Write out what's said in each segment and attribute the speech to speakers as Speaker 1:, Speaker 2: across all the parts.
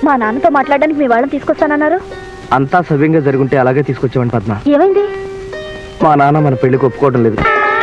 Speaker 1: మా నాన్నతో మాట్లాడడానికి మీ వాళ్ళని తీసుకొస్తానన్నారు.
Speaker 2: అంతా సవ్యంగా జరుగుంటే అలాగే తీసుకొచ్చామని పద్మ.
Speaker 1: ఏమైంది?
Speaker 2: మా నాన్న మన పెళ్లికి ఒప్పుకోవడం లేదు.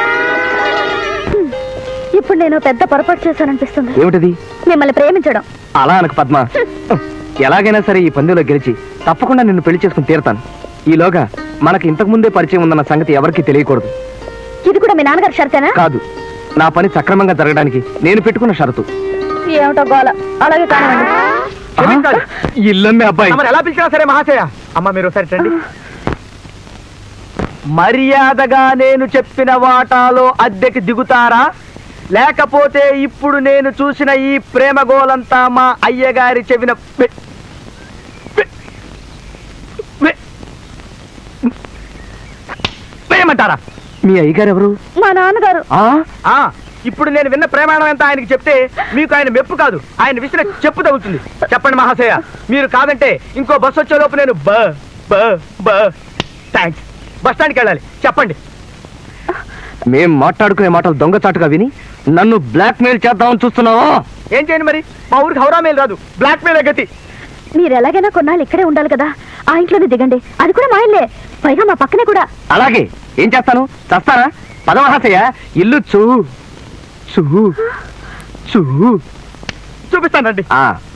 Speaker 1: ఇప్పుడు నేను పెద్ద పొరపాటు చేశాననిపిస్తుంది.
Speaker 2: ఏమిటది?
Speaker 1: మిమ్మల్ని ప్రేమించడం.
Speaker 2: అలా అనకు పద్మ. ఎలాగైనా సరే ఈ పందెంలో గెలిచి తప్పకుండా నిన్ను పెళ్లి చేసుకుని తీరతాను. ఈలోగా మనకి ఇంతకు ముందే పరిచయం ఉందన్న సంగతి ఎవరికీ తెలియకూడదు.
Speaker 1: ఇది కూడా మీ నాన్నగారి షరతేనా?
Speaker 2: కాదు, నా పని సక్రమంగా జరగడానికి నేను పెట్టుకున్న షరతు.
Speaker 1: ఏమిటో గోల. అలాగే కానివ్వండి.
Speaker 2: ఇల్లమ్మే అబ్బాయి
Speaker 3: ఎలా పిలిచినా సరే మహాశయ. అమ్మ మీరు ఒకసారి రండి.
Speaker 2: మర్యాదగా నేను చెప్పిన వాటాలో అద్దెకి దిగుతారా, లేకపోతే ఇప్పుడు నేను చూసిన ఈ ప్రేమ గోలంతా మా అయ్యగారి చెవిన వేయమంటారా? మీ అయ్యగారు ఎవరు?
Speaker 1: మా నాన్నగారు.
Speaker 3: ఇప్పుడు నేను విన్న ప్రమాణం ఎంత ఆయనకి చెప్తే మీకు ఆయన మెప్పు కాదు, ఆయన విసిన చెప్పు తగ్గుతుంది. చెప్పండి మహాశయ, మీరు కాదంటే ఇంకో బస్సు వచ్చే లోపు నేను థ్యాంక్స్ బస్ స్టాండ్కి వెళ్ళాలి. చెప్పండి.
Speaker 2: మేం మాట్లాడుకునే మాటలు దొంగచాటుగా విని నన్ను బ్లాక్ మెయిల్ చేద్దామని చూస్తున్నావా?
Speaker 3: ఏం చేయండి మరి? మా ఊరికి హౌరా మెయిల్ రాదు, బ్లాక్ మెయిల్ గతి.
Speaker 1: మీరు ఎలాగైనా కొన్నాళ్ళు ఇక్కడే ఉండాలి కదా, ఆ ఇంట్లోనే దిగండి. అది కూడా మా ఇల్లే, పైగా మా పక్కనే కూడా.
Speaker 2: అలాగే. ఏం చేస్తాను? చస్తానా? పదమహాశయ, ఇల్లు
Speaker 3: చూపిస్తానండి.